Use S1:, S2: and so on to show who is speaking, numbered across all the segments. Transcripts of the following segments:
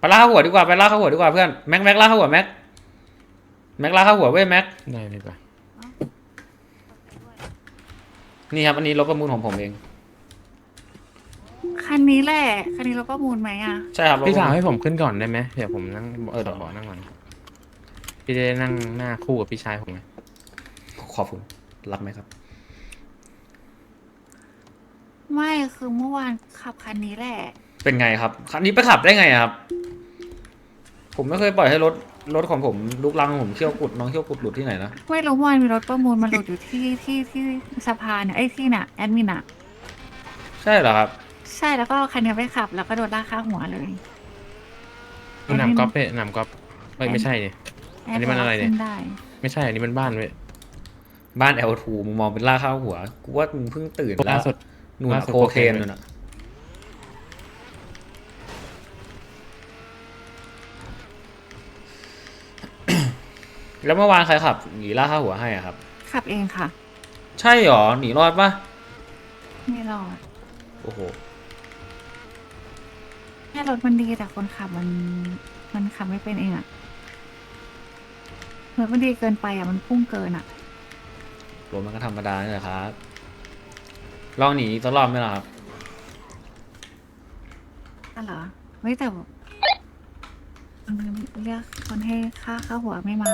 S1: ลากเข้าหัวดีกว่าไปลากเข้าหัวดีกว่าเพื่อนแม็กลากเข้าหัวแม็กลากเข้าหัวเว้ยแม็ก
S2: ได้เลยป่ะ
S1: นี่ครับอันนี้รถประมูลของผมเอง
S3: คันนี้แหละคันนี้เราประมูลไหมอ่ะ
S1: ใช่ครับรถ
S2: พี่สาว
S1: ประมูล
S2: ให้ผมขึ้นก่อนได้ไหมเดี๋ยวผมนั่ง
S1: เออเดี๋ยว
S2: เบาะนั่งก่อนพี่จะได้นั่งหน้าคู่กับพี่ชายผมไง
S1: ขอบคุณรับไหมครับ
S3: ไม่คือเมื่อวานขับคันนี้แหละ
S1: เป็นไงครับคันนี้ไปขับได้ไงครับผมไม่เคยปล่อยให้รถของผมลุกลังผมเขี้ยวกุดน้องเขี้ยวกุดหลุดที่ไหนนะ
S3: ไม่รู้เมื่อวานมีรถประมูลมาหลุดอยู่ที่สะพานเนี่ยไอ้ที่น่ะแอดมินอ่ะ
S1: ใช่เหรอครับ
S3: ใช่แล้วก็คันนี้ไปขับแล้วก็โดนลากข้างหัวเลย
S2: หนำก๊อฟเนี่ยหนำก๊อฟไม่ใช่เนี่ย
S3: แอ
S2: อัน
S3: ด
S2: นี้มันอะไรเนี่ย
S3: ขึ้นได้
S2: ไม่ใช่อันนี้มันบ้านเว้ย
S1: บ้าน L2 มึงมองเป็นล่ากข้าวหัวกูว่ามึงเพิ่งตื่นแล้
S2: ล่าวสุด
S1: นู่น
S2: ล่า
S1: อะ
S2: สุด
S1: โคเคน
S2: โคเคน
S1: นู่นอะแล้วเมื่อวานใครขับหนีล่ากข้าวหัวให้อะครับ
S3: ขับเองค่ะ
S1: ใช่หรอหนีรอดปะ
S3: ไม่รอด
S1: โอ้โห
S3: แค่รถมันดีแต่คนขับมันขับไม่เป็นเองอ่ะรถมันดีเกินไปอ่ะมันพุ่งเกินอ่ะ
S1: รถมันก็ธรรมดานี่แหละครับลองหนีอีกสักรอบไหมล่ะครับ
S3: ก็เหรอเฮ้ยแต่เรียกคนให้ค่าหัวไม่มา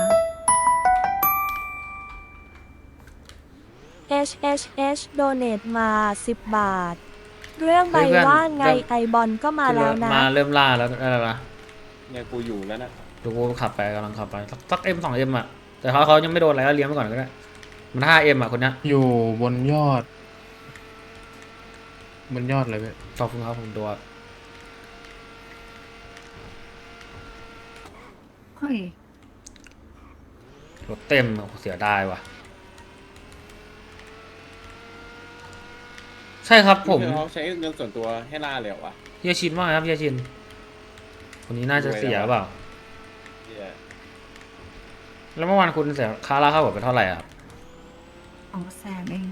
S4: HHH โดเนทมา10 บาท เรื่องใบว่าไงไอบอลก็มาแล้วนะ
S1: มาเริ่มล่าแล้วได้แล้วนะ
S5: เนี่ยกูอยู่แล้วนะ
S1: ดูกูขับไปกำลังขับไปสักM 2Mอะแต่เขายังไม่โดนอะไรก็เลี้ยงไปก่อนก็ได้มัน5Mอะคนเนี้ย
S2: อยู่บนยอดเลยเว้ย
S1: ขอบคุณครับผมตัว
S3: เฮ้ย
S1: รถเต็มเสียดายว่ะใช่ครับผม
S5: เขาใช้เงินส่วนตัวให้ล่าเลยเหรอวะ
S1: เฮียชินมากครับเฮียชินคนนี้น่าจะเสียเปล่าแล้วเมื่อวานคุณเสียค่าล่าเข้าหัวไปเท่าไหร่ครับ
S3: 200,000เอง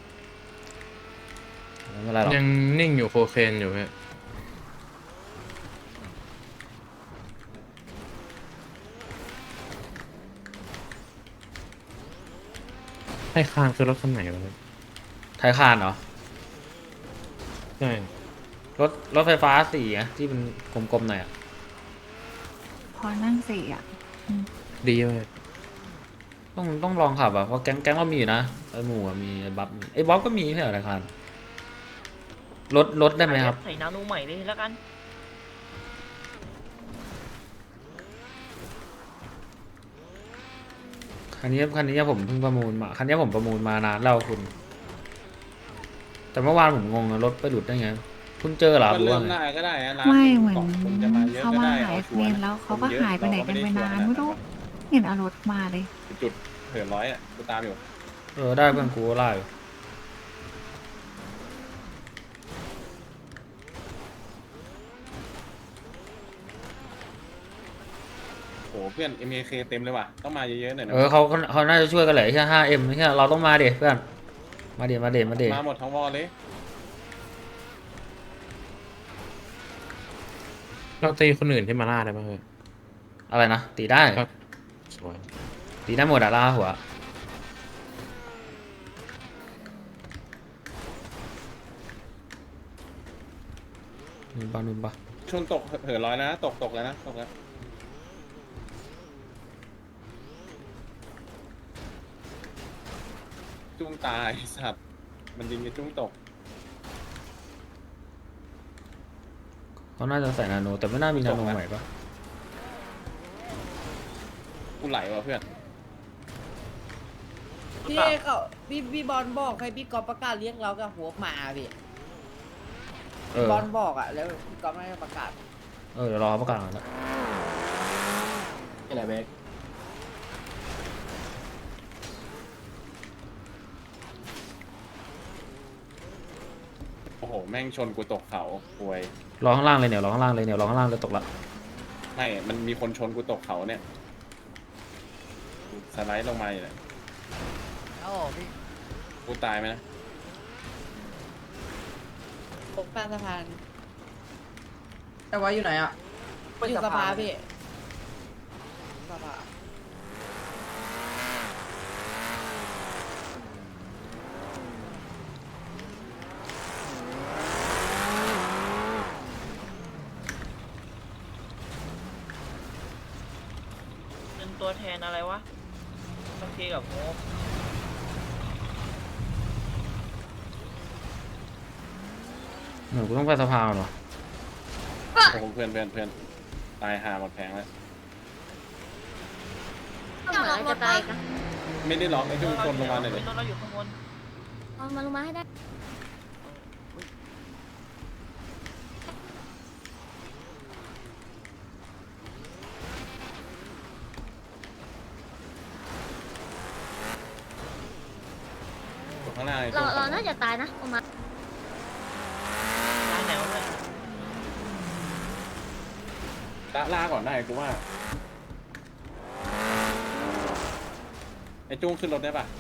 S1: ไม่เป็นไรหรอก
S2: ยังนิ่งอยู่โคเคนอยู่เว้ยให้คานคือรถคันไหนวะเนี่ย
S1: ไทยคานเหรอ
S2: ใช่
S1: รถไฟฟ้าสีอะที่เป็นกลมๆหน่อยอะ
S3: พอนั่งสี่อ่ะ
S2: ดีเว้ย
S1: ต้องลองขับอะเพราะแก๊งเรามีอยู่นะไอหมูมีไอบ๊อบก็มีไม่ใช่เหรอไทยคานรถได้ไหมครับ
S6: ใส่นาโนใหม่เลยแล้วกัน
S1: คันนี้ผมเพิ่งประมูลมาคันนี้ผมประมูลมานานแล้วคุณแต่เมื่อวานผมงงรถไปหลุดได้ไงคุณเจอเหรอ
S5: ก็
S1: หรือ
S5: เริ่
S1: ว่าไง
S5: มได้ก็ได้นะ
S3: ไม่เหมือน
S5: ผมจะมาเยอะ
S3: เขามา
S5: ก็ได้
S3: หาย
S5: เอาชัว
S3: เม
S5: ร์
S3: น
S5: นะ
S3: แล้วเขาก็
S5: คนเยอะ
S3: หายไปไหนกันไปนาน
S5: เราก็
S3: ไม่
S5: ได้ชัว
S3: รู้
S5: ร์นะ
S3: เห็นเอารถมาเลย
S5: จุดเหินร้อยอ่ะกูตามอยู่
S1: ได้เพื่อนกูไล่
S5: โอ้เพื่อน MAK เต็มเลยว่ะต้องมาเยอะๆหน่อยนะ
S1: เขาน่าจะช่วยกันแหละแค่5M ไม่ใช่เราต้องมาเด็เพื่อนมาเด็
S5: มาหมดทั้งวอลเลย
S2: เราตีคนอื่นที่มาล่าได้ป่ะเฮ้ย
S1: อะไรนะตีได้
S2: สวย
S1: ตีได้หมดอะล่าหัวนุ่นปะ
S5: ชนตกเหินร้อยนะตกแล้วนะตกแล้วจุ้งตายสัตว์มันยิงจะจุ้งตก
S1: เขาน่าจะใส่นาโนแต่ไม่น่ามีนาโนใหม่ปะ
S5: กูไหลว่ะเพื่อน
S6: พี่เขาพี่บอลบอกให้พี่กอล์ฟประกาศเรียกเรากับหัวหมาพี่บอลบอกอ่ะแล้วพี่กอล์ฟไม่ได้ประกาศ
S1: เดี๋ยวรอเขาประกาศก่อนนะ
S5: อะไรเบกโอ้โหแม่งชนกูตกเขาป่วย
S1: รอข้างล่างเลยเนี่ยรอข้างล่างเลยตกละ
S5: ไม่มันมีคนชนกูตกเขาเนี่ยสไลด์ลงมาเลยกูตายไหมนะ
S6: ตกข้างสะพานแต่ว่าอยู่ไหนอ่ะอยู่สภาพี่สภา
S7: เป็นตัวแทนอะไรวะบางทีกับโม
S1: หนูกูต้องไปสภาเหรอ
S5: โอ้โหเพื่อนตายหาหมดแผงแล้ว
S8: ต้องล็อกรถปะ
S5: ไม่ได้ล็อกไอ้จุ้งชนลงมาหน่อยเลย
S7: รถเราอยู่ข้างบน
S8: เอามาลงมาให้ได้
S5: อยู่ข้างหน้าไอ้
S8: เรา
S5: จุ้ง
S8: เราน่าจะตายนะออกมา
S7: ร้านไหนวะเนี่ย
S5: ล่าก่อนได้กูว่าไอ้จุ้งขึ้นรถได้ปะ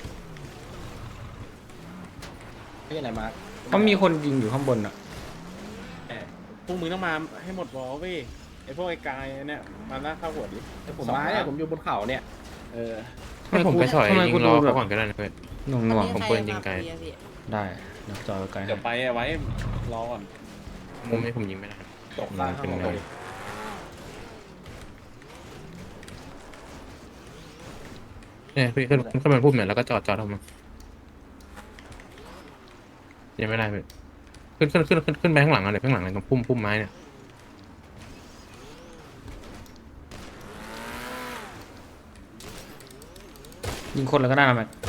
S9: ไม่ใช่ไหนมาร์ค
S1: เขามีคนยิงอยู่ข้างบนอ่ะ
S5: พวกมึงต้องมาให้หมดวอลเว้ยไอ้พวกไอ้กายเนี่ยมาหน้าเข้าหัวดิ
S9: แต่ผมมาเนี่ยผมอยู่บนเขาเนี่ย
S5: เออ
S2: ให้ผมไปสอย
S1: ทำไม
S2: ยิ
S1: กู
S2: ง
S1: ดู
S2: ล้อ
S1: แบ
S2: เขา
S1: บ
S2: ก่อนก็ได้นะเพื่อน
S1: หน่วงหน่วง
S2: ผมเปิดยิงไกล
S1: ได้เดี๋ยวจอยไกลให้
S5: เดี๋ยวไปเอาไว้รอก่อน
S2: มุมนี้ผมยิงไม่ได้
S9: ตกล่างข้างบนเลย
S2: เนี่ยพี่ขึ้นมาพูดเหมือนแล้วก็จอดทำไมยังไม่ได้พี่ขึ้นไปข้างหลังเลยข้างหลังเลยตรงพุ่มไม้เนี่ย
S1: ยิงคนแล้วก็ได้นะแม็ก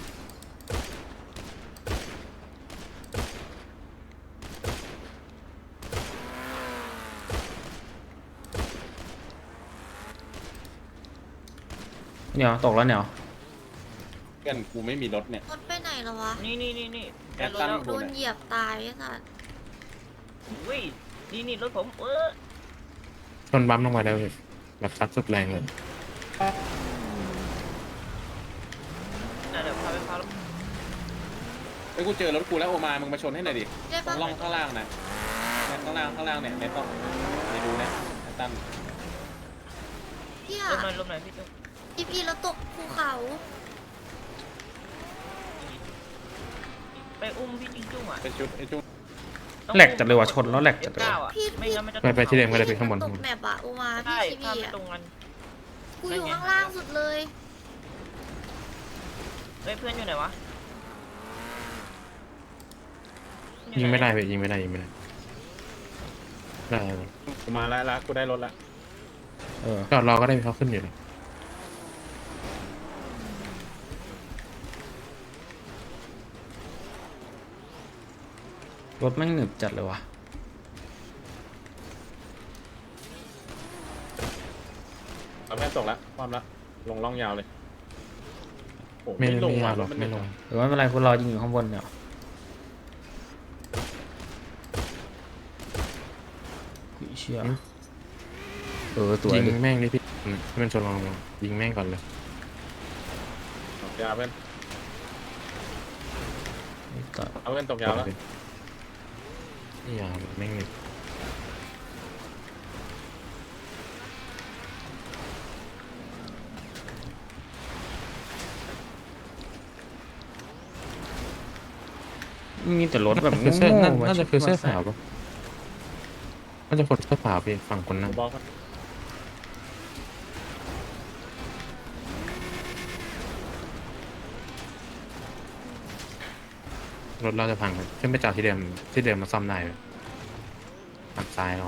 S1: เหนียวตกแล้วเหนียว
S5: เพื่อนกูไม่มีรถเนี่ย
S8: รถไปไหนแล้ววะ
S7: นี่
S5: แอดตัน
S8: โดนเหยียบตายไอ้สัส
S7: อุ้ยนี่รถผม
S2: ชนบัมลงมาแล้วพี่แบบซัดสุดแรงเลย
S7: เดี๋ยวพาไปพา
S5: ไอ้ยกูเจอรถกูแล้วโอมามึงมาชนให้หน่อยดิ
S8: ได้
S5: ตร
S8: ปะ
S5: งร่องข้างล่างนะเนี่ยข้างล่างเนี่ยในต้องในดูนะไอ้ตั้น
S8: พี่
S7: ล
S8: อะ
S7: มหน่อยพี่จุ๊บ
S8: พี่แล้วตกภูเขา
S7: ไปอุ้มพี่จิงจุ้งอ่ะ
S5: เป็นชุดไอ้จุ้ง
S1: แหลกจัดเลยว่ะชนแล้วแหลกจัดเลย
S7: เก้า
S1: ว่ะ
S7: อ่ะไม่งั้นมันจะ
S2: ไปที่เดิมก็ได้ไปข้างบน
S8: ตกแมปอะโอมา
S7: ใช่
S8: พี่
S7: ข้าม
S8: ชี
S7: ไป
S8: วีอะ
S7: ตรงนั้น
S8: กูอยู่ข้างล่างสุดเลย
S7: เฮ้ยเพื่อนอยู่ไหนวะ
S2: ยิงไม่ได้พี่ยิงไม่ได้ได้
S5: กูมาแล้วกูได้รถละ
S1: เออ
S2: จอดรอก็ได้เขาขึ้นอยู่เลย
S1: รถแม่งหนึบจัดเลยว่ะ
S5: เราแม่ตกละความละลงร่องยาวเลยโอ้
S2: ไม่
S5: ลง
S2: ยา
S5: ว่ะ
S2: กหรอก
S5: มัน
S2: ไม่ลง
S1: หรือว่าไม่เป็นไรคุณรอยิงอยู่ข้างบนเนี่ยอุ๊ยเชี่ยตัว
S2: ยิง
S1: ดิ
S2: แม่งดิพี่ให้มันชนลงมายิงแม่งก่อนเลย
S5: ตกยาวเพื่อน
S1: ต่อ
S5: เอาเพื่อนตกยาวแล้ว
S2: นี่ยาวแม่งเลย
S1: มีแต่รถแบบ
S2: คือเสื้อ
S1: โง่ๆว่ะ
S2: น่าจะคือเสื้อ
S1: ชุด
S2: ขาวปะน่าจะคนเสื้อขาวพี่ฝั่งคนนั่ง
S5: บอกกัน
S2: รถเราจะพังขึ้นไปจอดที่เดิมมาซ่อมได้เลยฝั่งซ้ายเรา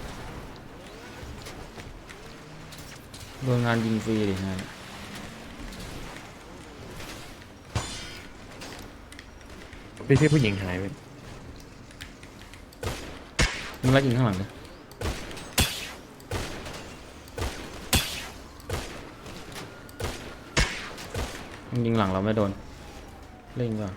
S1: โดนงานยิงฟรีดิงาน
S2: พี่ผู้หญิงหายไป
S1: มึงไล่ยิงข้างหลังเลยมึงยิงหลังเราไม่โดนเล่นก่อน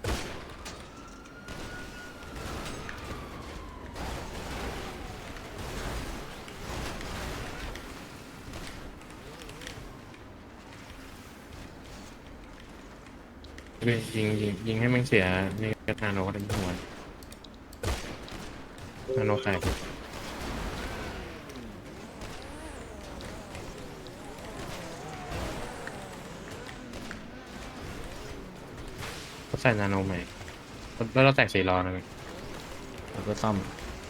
S2: ยิงให้มันเสียนี่กระทานเราก็ได้หัวนาโนใครส่นาโนใหม่แล้วเราแตก4 ล้อนะพี่
S1: แล้วก็ซ่อม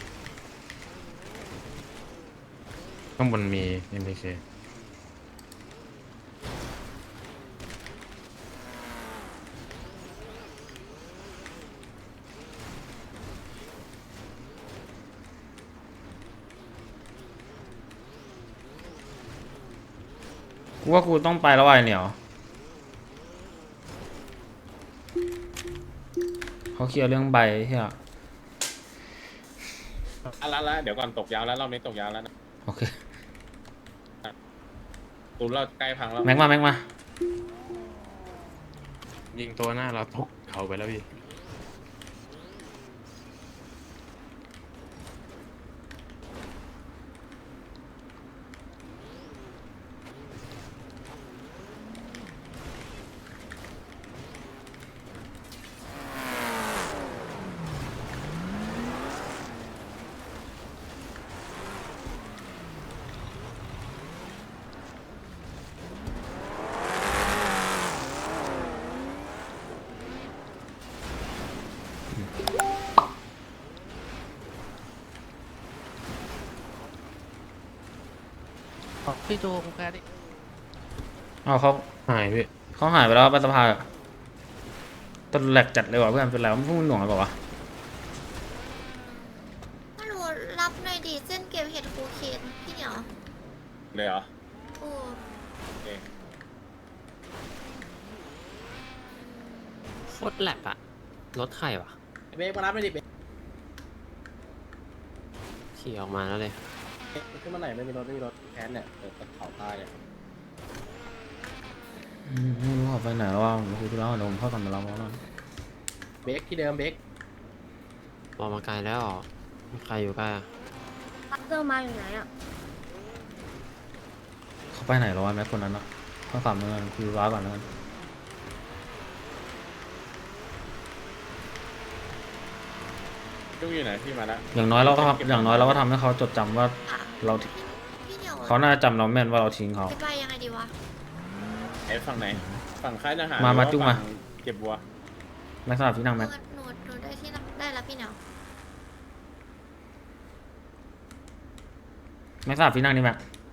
S2: ข้างบนมี MPK
S1: กูว่ากูต้องไปแล้วไอ้เหนียวเขาเคลียร์เรื่องใบเฮีย
S5: ละเดี๋ยวก่อนตกยาวแล้วรอบนี้ตกยาวแล้วนะ
S1: โอเค
S5: ตูนเราใกล้พังแล้ว
S1: แม็กมา
S2: ยิงตัวหน้าเราตกเขาไปแล้วพี่
S9: พี่โจกูแค่นี้
S1: เอาเขา
S2: หายพี่
S1: เขาหายไปแล้วไปสภาต้นแหลกจัดเลยว่ะเพื่อนเป็นไรวะพวกมึงหน่วงอะไรเปล่าวะ
S8: ฮัลโหลรับหน่อยดิเส้นเก็บเห็ดโคเคนพี่เหนียว
S5: เลยเหรอ
S8: โอ้
S5: โอเค
S9: โคตรแหลกอะรถใครวะ
S6: เบรกมารับไม่ดิเบรก
S9: ขี่ออกมาแล้วเลยขึ้นมาไหนไม่มีรถแค้นเนี่ยเปิดเขาใต้เนี่ย
S1: ไม่รู้เขาไปไหนแล้วว่าผมคุยธุระกับผมเข้ากันมาแล้วแล้ว
S9: เบรกที่เดิมเบรก
S10: ออกมาไกลแล้วเหรอมีใครอยู่ใกล้อะ
S8: เริ่มมาอยู่ไหนอ่ะ
S1: เขาไปไหนแล้ววะแม็กคนนั้นอ่ะเข้าฝั่งนึงกันคุยธุระก่อนแล้วกัน
S5: จุ้งอยู่ไหนพี่มาแล้ว
S1: อย่างน้อยเราก็ทำให้เขาจดจำว่าเรา
S8: พี่เหนียว
S1: เขาน่าจะจำเราแม่นว่าเราทิ้งเขา
S8: จะไปยังไงดีวะ
S5: ไอ้ฝั่งไหนฝั่งค่ายทหาร
S1: มา
S5: หรือว่
S1: จุ้งมา
S5: ฝั่เก็บวัว
S1: แม็กสลับที่นั่งแม็ก
S8: หนูได้ที่ได้แล้วพี่เหนียว
S1: แม็กสลับที่นั่งนี่แม็ก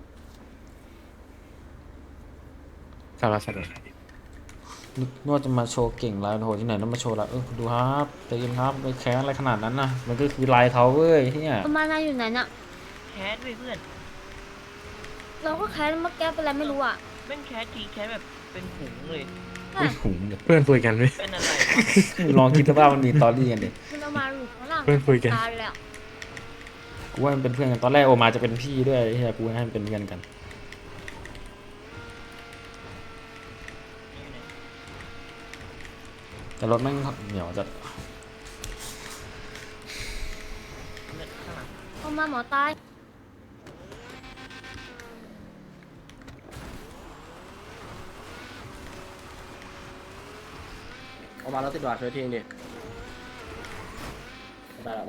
S2: สารสัตว์
S1: นวดจะมาโชว์เก่งลายโหที่ไหนต้องมาโชว์ละดูครับใจเย็นครับไปแค้นอะไรขนาดนั้นนะมันก็คือลายเขาเว้ยที่เนี่ย
S8: ประมาณนั้นอยู่ไหนน่ะ
S7: แคสด้วยเพื่อน
S8: เราก็แค้นเมื่อกี้เป็นอะไรไม่รู้อ่ะ
S7: แม่งแคสทีแคสแบบเป็นหุงเลย
S1: อุ้ยหุงเดี๋ยว
S2: เพื่อนคุยกันพี่
S7: เป็นอะไรวะ
S1: ลองคิดสภาพมันมีตอรี่กันดิ
S8: มันเอามาอยู่ข้างล่าง
S2: เพื่อนคุยกัน
S8: ตายเลยอ่ะ
S1: กูว่ามันเป็นเพื่อนกันตอนแรกโอมาจะเป็นพี่ด้วยไอ้เฮียกูให้มันเป็นเพื่อนกันแต่รถแม่งเหนียวจัด
S8: เอามาหมอตาย
S9: เอามาแล้วติดหวาดช่วยทิ้งดิได้แล้ว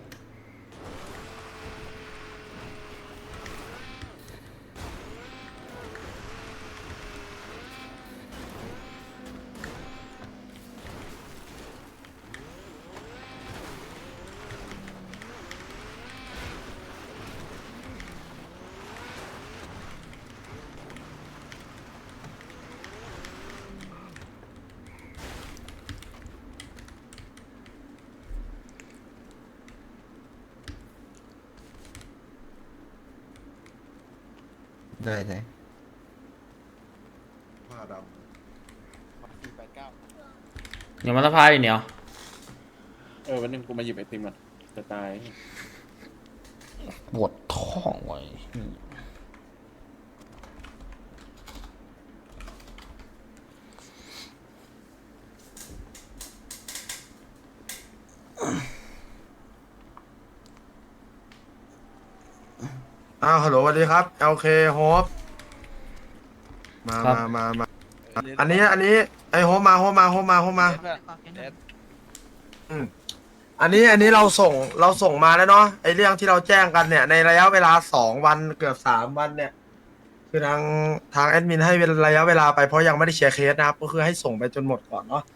S11: ได้
S5: ผ้าดำ489
S1: เดี๋ยวมาสภาดิเหนียว
S5: วันหนึงกูมาหยิบไอติมก่อนจะตาย
S1: ปวดท้องไว้
S11: ฮัลโหลสวัสดีครับ LK Hope มา อันนี้ไอโฮปมาอันนี้เราส่งมาแล้วเนาะไอเรื่องที่เราแจ้งกันเนี่ยในระยะเวลา2 วันเกือบ3 วันเนี่ย คือทางแอดมินให้ระยะเวลาไปเพราะยังไม่ได้เคลียร์เคสนะครับก็คือให้ส่งไปจนหมดก่อนเนาะ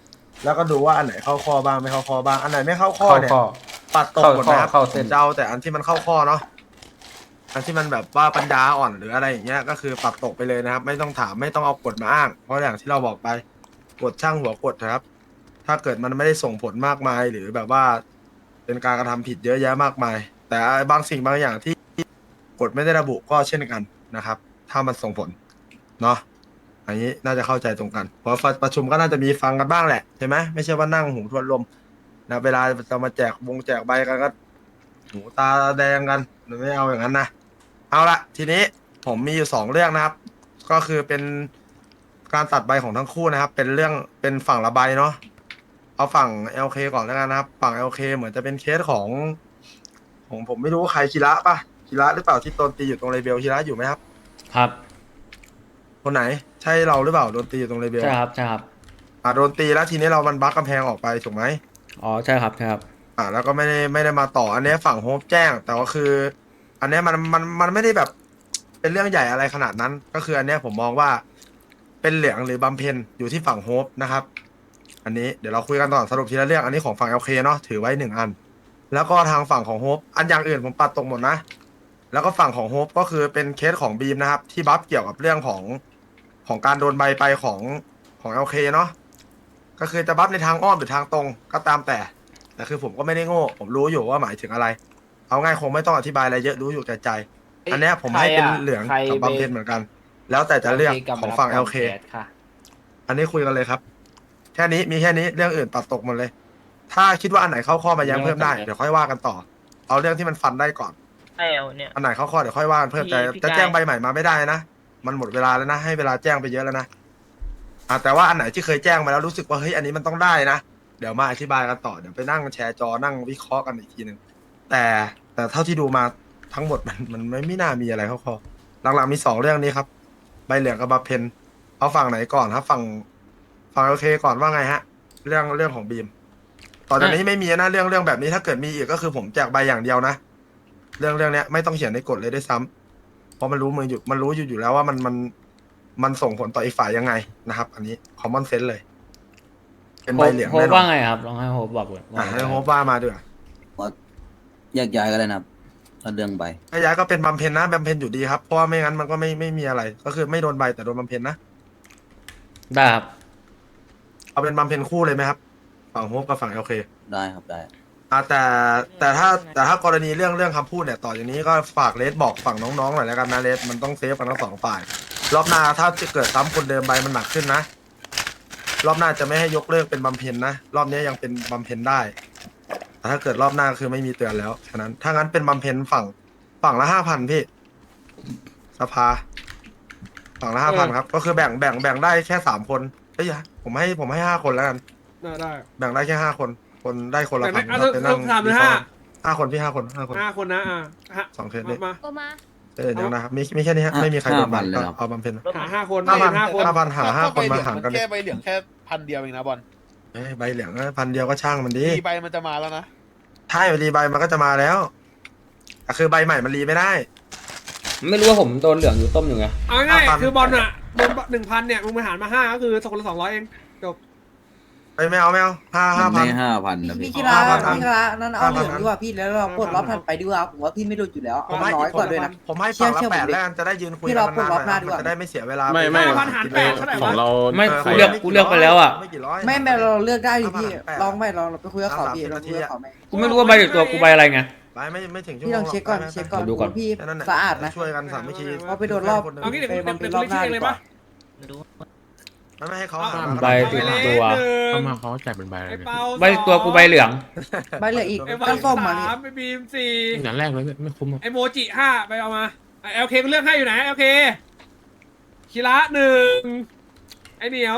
S11: แล้วก็ดูว่าอันไหนเข้าข้อบ้างไม่เข้าข้อบ้างอันไหนไม่เข้าข้อเนี่ยปัดตกหมดนะครับ
S1: เข้าเส้น
S11: จะเอาแต่อันที่มันเข้าข้อเนาะอันที่มันแบบว่าปัญญาอ่อนหรืออะไรอย่างเงี้ยก็คือปัดตกไปเลยนะครับ ไม่ต้องถามไม่ต้องเอากฎมาอ้าง เพราะอย่างที่เราบอกไปกฎช่างหัวกฎนะครับ ถ้าเกิดมันไม่ได้ส่งผลมากมาย หรือแบบว่าเป็นการกระทำผิดเยอะแยะมากมาย แต่บางสิ่งบางอย่างที่กฎไม่ได้ระบุก็เช่นกันนะครับ ถ้ามันส่งผลเนาะอันนี้น่าจะเข้าใจตรงกันเพราะประชุมก็น่าจะมีฟังกันบ้างแหละใช่ไหมไม่ใช่ว่านั่งหูทวนลมนะเวลาจะมาแจกใบกันก็หูตาแดงกันไม่เอาอย่างนั้นนะเอาละทีนี้ผมมีอยู่2เรื่องนะครับ ก็คือเป็นการตัดใบของทั้งคู่นะครับ เป็นเรื่องเป็นฝั่งละใบเนาะเอาฝั่ง LK ก่อนแล้วกันนะครับ ฝั่ง LK เหมือนจะเป็นเคสของผมไม่รู้ว่าใครคีระป่ะคีระหรือเปล่าที่โดนตีอยู่ตรงเลเบลคีระอยู่ไหมครับ
S1: ครับ
S11: คนไหนใช่เราหรือเปล่าโดนตีอยู่ตรงเลเบล
S1: ใช่ครับใช่ครับ
S11: โดนตีแล้วทีนี้เรามันบั๊กกำแพงออกไปถูกไหม
S1: อ๋อใช่ครับใช่ครับ
S11: แล้วก็ไม่ได้มาต่ออันนี้ฝั่งโฮปแจ้ง แต่ว่าคือ อันนี้มันไม่ได้แบบเป็นเรื่องใหญ่อะไรขนาดนั้น ก็คืออันนี้ผมมองว่าเป็นเหลืองหรือบำเพ็ญอยู่ที่ฝั่งโฮปนะครับ อันนี้เดี๋ยวเราคุยกันต่อสรุปทีละเรื่องอันนี้ของฝั่ง LK เนาะถือไว้1อัน แล้วก็ทางฝั่งของโฮปอันอย่างอื่นผมปัดตกหมดนะ แล้วก็ฝั่งของโฮปก็คือเป็นเคสของบีมนะครับ ที่บัฟเกี่ยวกับเรื่องของการโดนใบไปของ LK เนาะก็คือจะบัฟในทางอ้อมหรือทางตรงก็ตามแต่คือผมก็ไม่ได้โง่ผมรู้อยู่ว่าหมายถึงอะไร เอาง่ายคงไม่ต้องอธิบายอะไรเยอะรู้อยู่แก่ใจ อันเนี้ยผมให้เป็นเหลืองกับบำเพ็ญเหมือนกัน แล้วแต่จะเลือกของฝั่ง LK อันนี้คุยกันเลยครับ แค่นี้มีแค่นี้เรื่องอื่นตัดตกหมดเลย ถ้าคิดว่าอันไหนเข้าข้อมายังเพิ่มได้เดี๋ยวค่อยว่ากันต่อ เอาเรื่องที่มันฟันได้ก่อน
S7: ไอ้เอาเนี่ย
S11: อันไหนเข้าข้อเดี๋ยวค่อยว่ากันเพิ่ม
S7: พี่
S11: แต่
S7: พี่
S11: จะแจ้ง
S7: กาย
S11: ใบใหม่มาไม่ได้นะมันหมดเวลาแล้วนะให้เวลาแจ้งไปเยอะแล้วนะแต่ว่าอันไหนที่เคยแจ้งมาแล้วรู้สึกว่าเฮ้ยอันนี้มันต้องได้นะเดี๋ยวมาอธิบายกันต่อเดี๋ยวไปนั่งแชร์จอนั่งวิเคราะห์กันอีกทีหนึ่งแต่เท่าที่ดูมาทั้งหมดมันไม่น่ามีอะไรเข้าข้อหลังๆมี2เรื่องนี้ครับใบเหลืองกับบำเพ็ญเอาฝั่งไหนก่อนครับฝั่งโอเคก่อนว่าไงฮะเรื่องของบีมต่อจากนี้ไม่มีนะเรื่องแบบนี้ถ้าเกิดมีอีกก็คือผมแจกใบอย่างเดียวนะเรื่องเนี้ยไม่ต้องเขียนในกฎเลยด้วยซ้ำเพราะมันรู้อยู่แล้วว่ามันส่งผลต่ออีกฝ่ายยังไงนะครับ อันนี้ common sense เลย เป็นใบเหลือง
S1: โฮป
S11: แน่นอ
S1: ว่าน ไงครับลองให้โฮปบอกเลย
S11: ให้โฮปว่ามาด้วย
S9: แยกย้ายกันเลยนะครับถ้าเรื่องใบ
S11: ถ้าย้ายก็เป็นบำเพ็ญนะบำเพ็ญอยู่ดีครับเพราะว่าไม่งั้นมันก็ไม่มีอะไร ก็คือไม่โดนใบแต่โดนบำเพ็ญนะ
S1: ได้ครับ
S11: เอาเป็นบำเพ็ญคู่เลยไหมครับฝั่งโฮปกับฝั่งโอเค
S9: ได้ครับได้
S11: แต่ถ้ากรณีเรื่องคำพูดเนี่ยต่อจากนี้ก็ฝากเลสบอกฝั่งน้องๆหน่อยแล้วกันนะเลสมันต้องเซฟกันทั้ง2ฝ่ายรอบหน้าถ้าจะเกิดซ้ำคนเดิมใบมันหนักขึ้นนะรอบหน้าจะไม่ให้ยกเลิกเป็นบำเพ็ญนะรอบนี้ยังเป็นบำเพ็ญได้แต่ถ้าเกิดรอบหน้าคือไม่มีเตือนแล้วฉะนั้นถ้างั้นเป็นบำเพ็ญฝั่งละ 5,000 พี่สภาฝั่งละ 5,000 ครับก็คือแบ่งได้แค่3คนเอ้ยผมให้5 คนแล้วกัน
S5: ได้
S11: แบ่งได้แค่5 คนได้คนละ
S5: แต่
S11: 1,000
S5: ไม่
S11: ครับไปนั่ง
S5: 3หรือ5
S11: 5 คนพี่5 คน
S5: 5 คนนะ
S11: 2เคสนี่
S5: มา
S8: ก็มา
S11: เดี๋ยวนะครับมีแค่นี้ฮะไม่มีใครโดนบัตรก็เอาบำเพ็ญ
S5: หา5 คน
S11: 5,000
S5: 5 คน
S11: 5,000หา5 คนมาหารกัน
S12: แค่ใบเหลืองแค่1,000 เดียวเองนะบอล
S11: ใบเหลือง1,000 เดียวก็ช่างมันดี
S12: มีใบมันจะมาแล้วนะ
S11: ใช่รีใบมันก็จะมาแล้วแต่คือใบใหม่มันรีไม่ได้
S1: ไม่รู้ว่าผมโดนเหลืองอยู่ต้มอยู่ไง
S5: เอาง่ายคือบอลอ่ะโดน1,000เนี่ยมึงไปหารมา5ก็คือคนละ200เองจบ
S11: ไม่เอา5,000
S9: ไม่5,000นะพี่
S6: พี่กีฬานั่นเอาเหลืองดีกว่าพี่แล้วเราปลดล็อกถัดไปดีกว่าผมว่าพี่ไม่โดนอยู่แล้ว
S11: ผมให้
S6: น้อยกว่าด้วยนะ
S11: ผมให้ฝั่งละ8แล้วกันจะได้ยืนคุยกันนานๆมันจะได้ไม่เสียเวลา
S5: ไม่
S2: ของเรา
S1: ไม่กูเลือกไปแล้วอ่ะ
S11: ไม่กี่ร้อย
S6: ไม่เราเลือกได้ดิพี่ลองไม่เราไปคุยกับเขาพี่เราคุยกับเขาไหม
S1: กูไม่รู้ว่าใบติดตัวกูใบอะไรไง
S11: ไม่ถึงชั่ว
S6: พี่
S11: โม
S6: ลอง งเช็คก่อนดูก่อนพี่สะอาดนะ
S11: ช่วยกันสามัคคี
S5: เอางี้เดี๋ยวเป็นรอบหน้าเลยปะ
S11: ไม่ให้เขา
S1: ใบติดตัว
S2: เข้ามาเขาแจกเป็นใบอะไร
S5: ไอ้
S2: เนี่ย
S5: เปา
S1: ใบติดตัวกูใบเหลือง
S6: ใบเหลืออีก
S5: ไอ้
S6: ก็ส้มมาพี่
S5: 3ไอ้บีม
S2: อย่างแรกเลยไม่คุ้ม
S5: 4ไอ้โมจิ5ไปเอามาไอ้LK กูเลือกให้อยู่ไหนLK คีระ1ไอ้เหนียว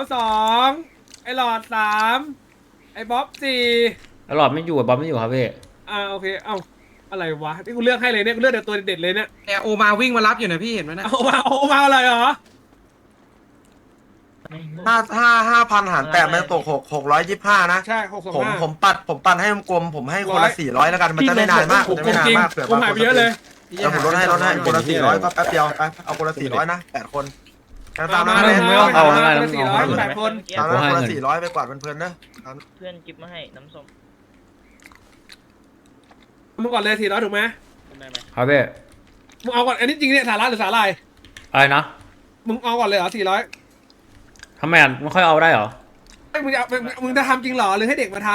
S5: 2ไอ้หลอด3ไอ้บ๊อบ4
S1: แล้วหลอดไม่อยู่อะบอมไม่อยู่ครับพี่
S5: โอเคเอ้าอะไรวะที่กูเลือกให้เลยเนี่ยกูเลือกแต่ตัวเด็ดๆเลยเนี่ย
S12: เนี่ยโอมาวิ่งมารับอยู่นะพี่เห็นไหมนะ
S5: เอามาอะไรเหรอ
S11: 5,000 หาร8มันตก625นะ
S5: ใช่625
S11: ผมปัดให้กลมผมให้คนละ400แล้วกันมันจะไม่นานมากจะไม่นานมากเผื่อ
S5: ผมหายไปเยอะเลย
S11: แล้วผมลดให้คนละ400ก็แป๊บเดียวไปเอาคนละ400นะ8 คนตาม
S5: มา
S11: นั้น
S1: ไม่ต้องเอาง่ายๆ
S5: 400 8 คน
S11: ตามนั้น
S1: ให้
S11: คนละ
S1: เงิน
S11: 400ไปกวาดเพลินๆนะ
S7: เพื่อนกิฟมาให้น้ำส้ม
S5: มึงก่อนเลย400ถูกไหม
S1: ครับพี่
S5: มึงเอาก่อนอันนี้จริงเนี่ยสาระหรือสาลาย
S1: อะไรนะ
S5: มึงเอาก่อนเลยเหรอ400
S1: ทำไมอ่ะมันค่อยเอาได้เหรอ
S5: มึงจะทำจริงเหรอหรือให้เด็กมาท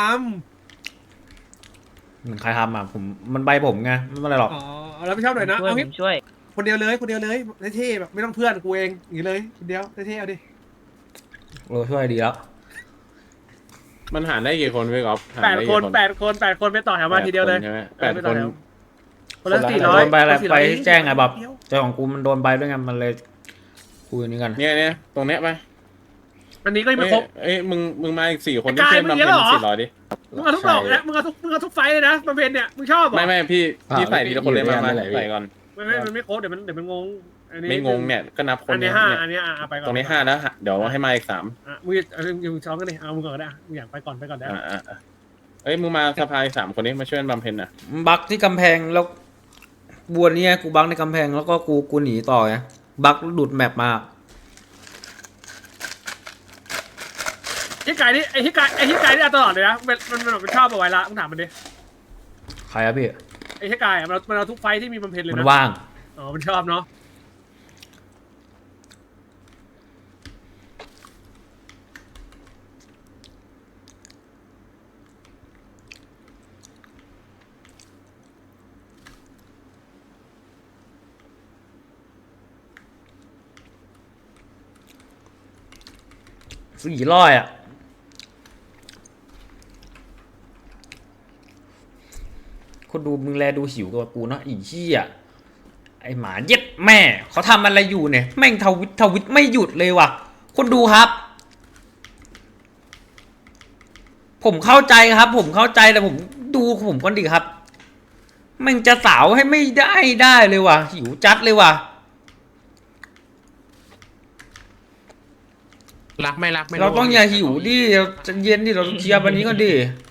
S1: ใครทำอ่ะผมมันใบผมไงไม่เป็นไรหรอก
S5: ำอ๋อแล้วไม่ชอบหน่อยนะ
S7: ช่วย
S5: เอา
S7: ผ
S5: งี้
S7: มช่วย
S5: คนเดียวเลยเท่ๆแบบไม่ต้องเพื่อนกูเองอย่างนี้เลยคนเดียวเท่ๆเอาดิ
S1: ช่วยดีแล้ว
S2: มันหารได้กี่คนพี่ก๊อฟหาร
S5: แปด
S2: ได้
S5: ค
S2: กี่
S5: นไปต่อแถวมาทีเดียวเลย
S2: ใช่ไหม
S5: ไปต่อ
S2: 8 คน
S5: แถวคนละ
S1: โด
S5: 400
S1: นใบอะไร
S5: คนละ400
S1: ไปแจ้งไงแบบเจ้าของกูมันโดนใบด้วยไงมันเลยคุยนี้กัน
S2: เนี่ยตรงเนี้ยไป
S5: อันนี้ก็ยังไม่ครบ
S2: เอ้ยมึงมาอีก4 คน
S5: ไอ้กาย
S2: ที่เพื่อน
S5: มึงเย
S2: บำ
S5: อะ
S2: เพ็ญ
S5: เหรอ
S2: 400ดิ
S5: มึงเอาทุกดอกนะมึงเอาทุกไฟเลยนะบำเพ็ญเนี่ยมึงชอบเหรอ
S2: ไม่พี่ใส่ทีละคนเลยมาใส่ก่อน
S5: ไม่มันไม่ครบเดี๋ยวมันงงอันนี้
S2: ไม่งงเนี่ยก็นับคน
S5: อันนี้
S2: เนี่ย
S5: 5อันนี้ไปก่อน
S2: ตรงนี้5แล้วเดี๋ยวให้มาอีก3
S5: มึงช้อนกันดิเอามึงก่อนก็ได้มึงอยากไปก่อนได้
S2: เอ้ยมึงมาสภาอีก3 คนนี้มาช่วยบำเพ็ญน่ะ
S1: บักที่กำแพงแล้วบัวเนี่ยกูบักในกำแพงแล้วก็กูหนีต่อไงบักหลุดแมปมา
S5: ที่ไก่นี่ไอ้ที่ไก่นี่เอาตลอดเลยนะมันชอบเอาไว้ละมึงถามมันดิ
S1: ใครอะพี่
S5: ไอ้ที่ไก่มันเอาทุกไฟที่มีบำเพ็ญเลย
S1: มัน
S5: นะ
S1: ว่าง
S5: อ๋อมันชอบเนาะ
S1: 400อ่ะคนดูมึงแลดูหิวกว่ากูเนาะอีเหี้ยไอหมาเย็ดแม่เขาทำอะไรอยู่เนี่ยแม่งทวิตไม่หยุดเลยว่ะคนดูครับ ผมเข้าใจครับ ผมเข้าใจแต่ผมดูผมก่อนดิครับแม่งจะสาวให้ไม่ได้เลยว่ะหิวจัดเลยว่ะ
S2: รักไม่รักไม่
S1: เราต้องอย่าหิวดิเราจะเย็นดิเราต้องเคลียร์วันนี้ก่อนดิ